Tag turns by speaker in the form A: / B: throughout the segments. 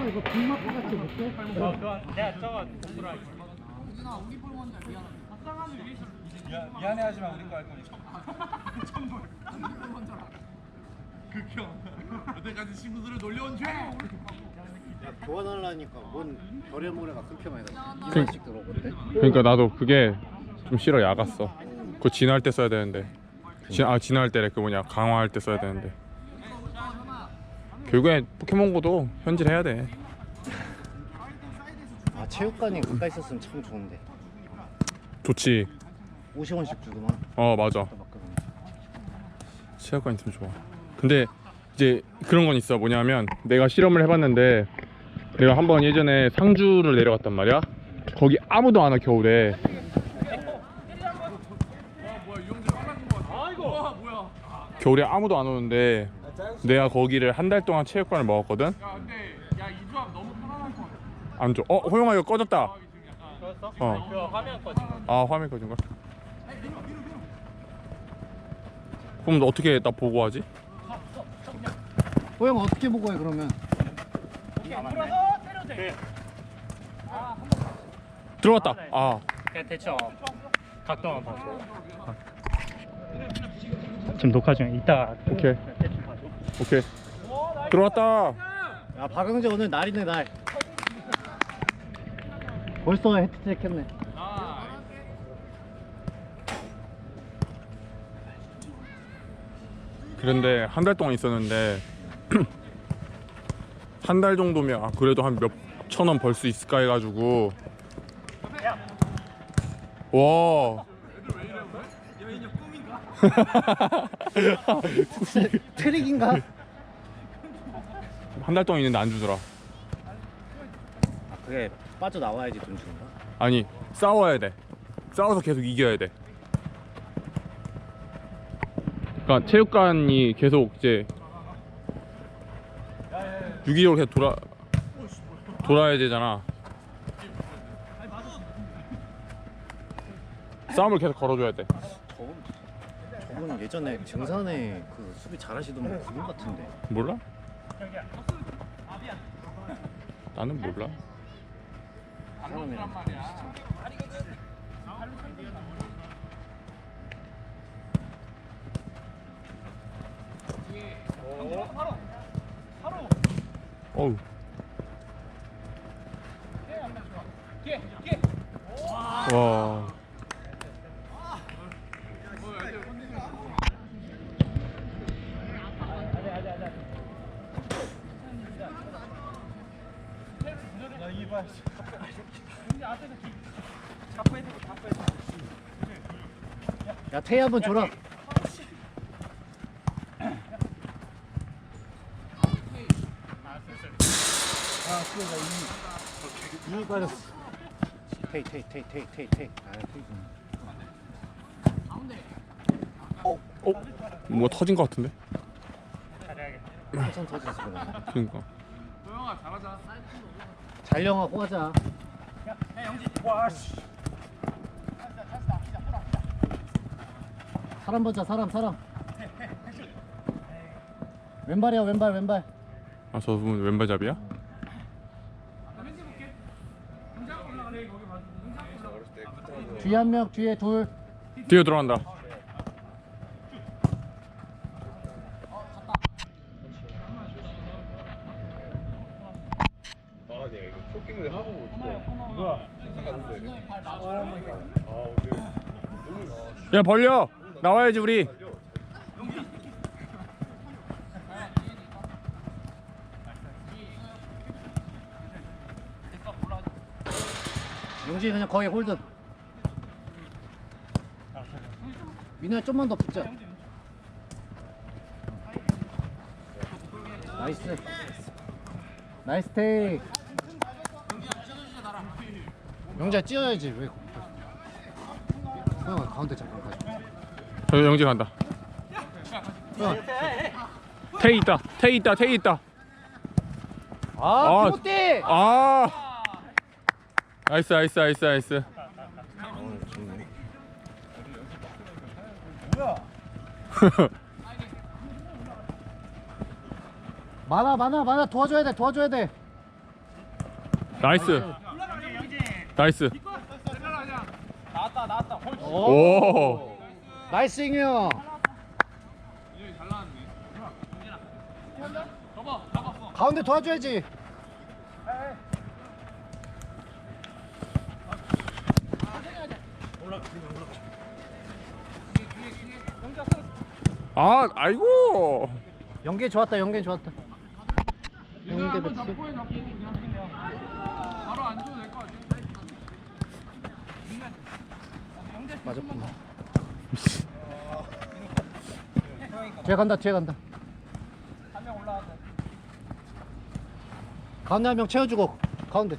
A: 이거 빅마트 같이 못해?
B: 내가 저거 공부를 할게.
C: 미안해하지만 우리 거 할 거니까.
D: 극혐. 여태까지 친구들을 놀려온 죄.
E: 야 교환하려니까 뭔 별의 모래가 끊겨만이다. 2만씩 들어오거든.
F: 그러니까 나도 그게 좀 싫어. 야갔어. 그거 진화할 때 써야 되는데. 진화할 때래. 그 뭐냐 강화할 때 써야 되는데. 결국엔 포켓몬고도 현질해야 돼.
E: 아 체육관이 가까이 있었으면 참 좋은데.
F: 좋지.
E: 50원씩 주고만.
F: 맞아. 체육관 있으면 좋아. 근데 이제 그런 건 있어. 뭐냐면 내가 실험을 해봤는데 내가 한번 예전에 상주를 내려갔단 말이야. 거기 아무도 안 와 겨울에. 겨울에 아무도 안 오는데 내가 거기를 한 달 동안 체육관을 먹었거든.
D: 야 근데 이 조합 너무 편안할 것 같아.
F: 안 줘. 호영아 이거 꺼졌다.
B: 그랬어? 그 화면 꺼진 거.
F: 아 화면 꺼진 걸. 그럼 너 어떻게 나 보고 하지?
E: 호영 어떻게 보고 해 그러면?
F: 들어갔다. 아
B: 그냥 대충 각도만 봐줘. 지금 녹화 중에 이따가
F: 오케이
B: 대충 봐줘.
F: 오케이 들어갔다.
E: 야 박영재 오늘 날이네 날. 벌써 헤트트릭 했네.
F: 그런데 한 달 동안 있었는데 한 달 정도면 그래도 한 몇 천 원 벌 수 있을까 해가지고 와
E: 트릭인가?
F: 한 달 동안 있는데 안 주더라.
E: 아 그게 빠져 나와야지 돈 주는 거야?
F: 아니 싸워야 돼. 싸워서 계속 이겨야 돼. 그러니까 체육관이 계속 이제 유기적으로 계속 돌아야 되잖아. 싸움을 계속 걸어줘야 돼.
E: 저분 예전에 증산에 그 수비 잘하시던 분 그분 같은데.
F: 몰라? 나는 몰라.
E: 사람이랑
F: 어우. 와.
E: 야 태희 한번 줘라. 이미 빠졌어. 태희. 아 태희.
F: 뭐가 터진 것 같은데?
E: 한참 터졌어 그래.
F: 그러니까.
D: 도영아 잘하자.
E: 잘령하고 하자. 사람 보자 사람. 왼발이야 왼발.
F: 아 저분 왼발잡이야?
E: 뒤에 한 명 뒤에 둘.
F: 뒤에 들어간다. 야 벌려 나와야지 우리.
E: 용진이 그냥 거의 홀드. 민호야 좀만 더 붙자. 나이스 테이크. 영재야 찌어야지 왜? 형아 가운데 잠깐 가자.
F: 저 영지 간다. 테이 있다.
E: 아 티모티.
F: 나이스.
E: 좋네. 많아 도와줘야 돼.
F: 나이스. 나이스.
E: 오.
F: 오.
E: 나이스 잉형
D: 이제 잘 나왔네. 잡아.
E: 가운데 도와줘야지.
F: 아, 아이고.
E: 연계 좋았다. 연계 좋았다.
D: 얘들아
E: 연계
D: 한번
E: 배치.
D: 잡고 해 잡고. 바로 안 줘도 될 것 같아.
E: 맞았구나. 뒤에 간다. 뒤에 간다. 가운데 한 명 채워주고 가운데.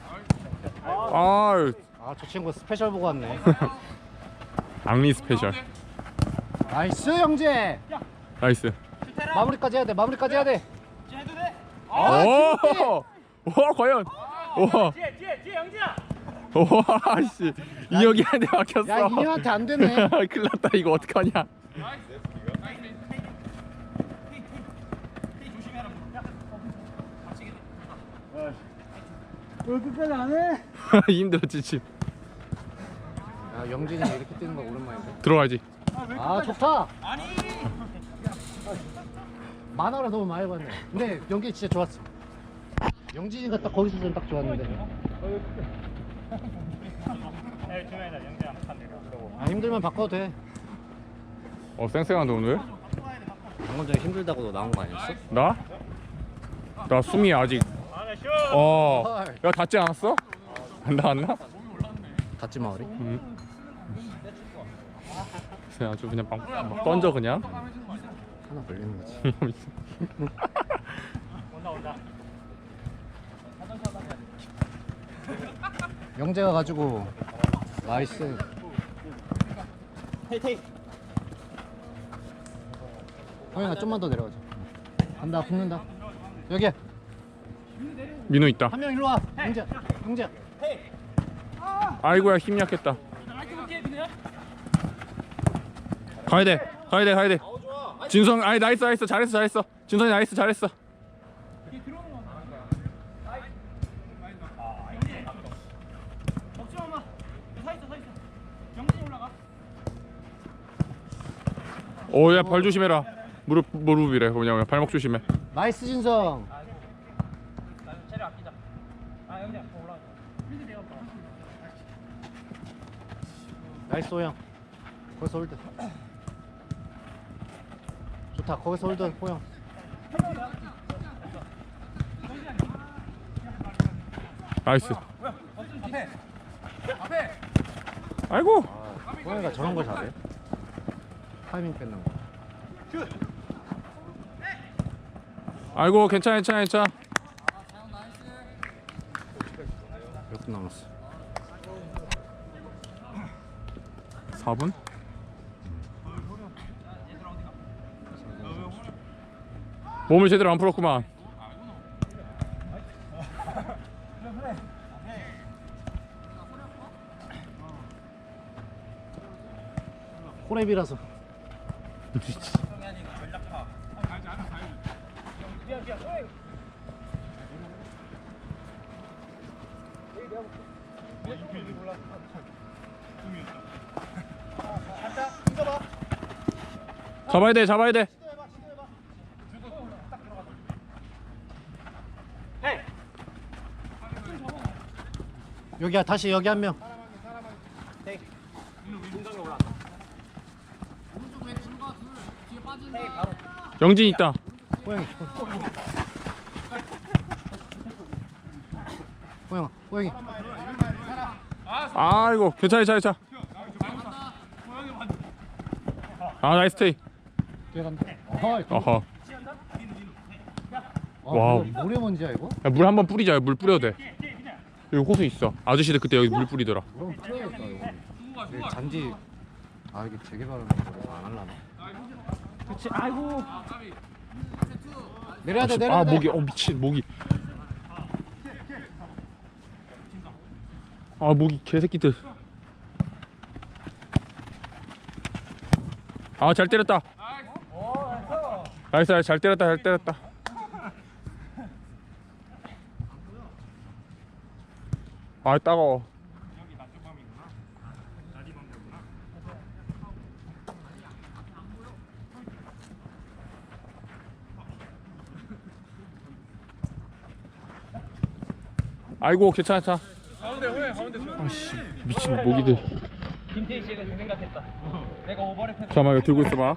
F: 아,
E: 저 친구 스페셜 보고 왔네.
F: 악리 스페셜.
E: 나이스 형제.
F: 나이스.
E: 마무리까지 해야 돼. 마무리까지 해야 돼.
F: 오! 와, 과연. 와.
B: 뒤에 영진아.
F: 와, 씨. 이혁이 한대 막혔어.
E: 야 이형한테 안 되네.
F: 큰일 났다. 이거 어떡하냐.
C: 왜 끝까지 안 해?
F: 힘들었지, 지금.
E: 야 영진이 이렇게 뛰는 거 오랜만인데.
F: 들어가야지.
E: 아 좋다. 만화를 너무 많이 봤네. 근데 연기 진짜 좋았어. 영진이가 딱 거기서 좀 딱 좋았는데.
B: 주면이다 영진아 한판 내려.
E: 아 힘들면 바꿔도 돼.
F: 쌩쌩한데, 오늘?
E: 방금 전에 힘들다고 나온 거 아니었어?
F: 나? 나 숨이 아직.
B: 아나 쇼.
F: 야, 닿지 않았어? 안 닿았나?
E: 닫지 마을이?
F: 그냥 아주 그냥 막 던져, 그냥.
E: 하나 걸리는 거지.
B: 온다.
E: 영재가 가지고 나이스. 형이나 좀만 더 내려가자. 간다 붙는다. 여기
F: 민호 있다.
E: 한 명 일로 와. 영재. 영재.
F: 아이고야, 힘 약했다. 가야 돼. 진성, 아이, 나이스. 잘했어. 진성이 나이스, 잘했어. 오, 야, 발 조심해라. 무릎이래. 뭐냐, 발목 조심해.
E: 나이스 진성.
B: 체력 아끼자. 아 영진아 올라가.
E: 나이스 호영. 거기서 홀드. 좋다. 거기서 홀드 호영.
F: 나이스. 아이고.
E: 호영이가 저런 걸 잘해. 타이밍 뺏는 거.
F: 아이고, 괜찮아.
E: 몇 분 남았어?
F: 4분? 몸을 제대로 안 풀었구만.
E: 호랩이라서.
F: 잡아야 돼.
E: 여기야 다시 여기 한 명.
F: 영진 있다.
E: 호영이. 호영이.
F: 아이고, 괜찮아. 아, 나이스 테이.
E: 뒤에 간다.
F: 어허.
E: 와.
F: 와우.
E: 모래먼지야 이거?
F: 물 한번 뿌리자. 물 뿌려도 돼. 여기 호수 있어. 아저씨들 그때 여기 물 뿌리더라.
E: 그럼 풀어야겠다 이거. 이게 잔디. 아 이게 재개발은 안 할라나?
B: 그렇지. 아이고.
E: 내려야 돼.
F: 아, 모기. 미친 모기. 아, 모기 개새끼들. 아, 잘 때렸다. 나이스. 잘 때렸다. 아 따가워. 아이고 괜찮아.
D: 가운데 호야 가운데
F: 아씨 미친 모기들.
B: 김태희 씨가 그 생각했다. 내가 오버랩 해서
F: 잠깐만 이거 들고 있어봐.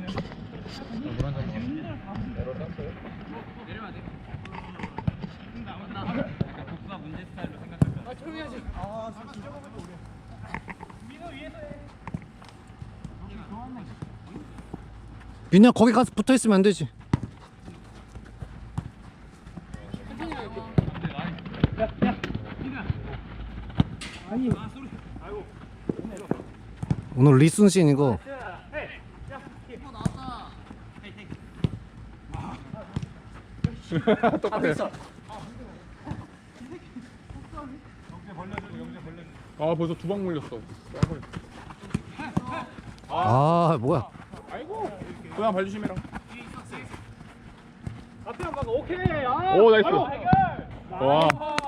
B: 내려야 돼. 약간 독사 문제 스타일로 생각했다.
D: 아 조용히 하지.
E: 민우야 거기 가서 붙어 있으면 안 되지. 오늘 리순신 이거
F: 똑같아. 아 벌써 두 방 물렸어.
E: 아 뭐야.
F: 아이고 고양 발 조심해라.
B: 앞에 한 번. 오케이. 아.
F: 오 나이스.
B: 바로 해결.
F: 와.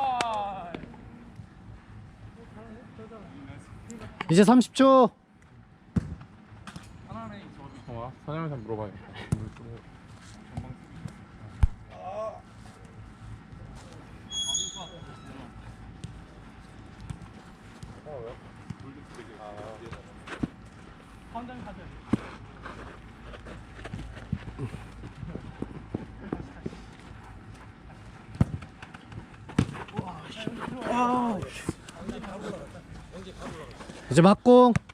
E: 이제 30초.
F: 사장님한테 물어봐요.
B: 한장 가자.
E: 이제 막공.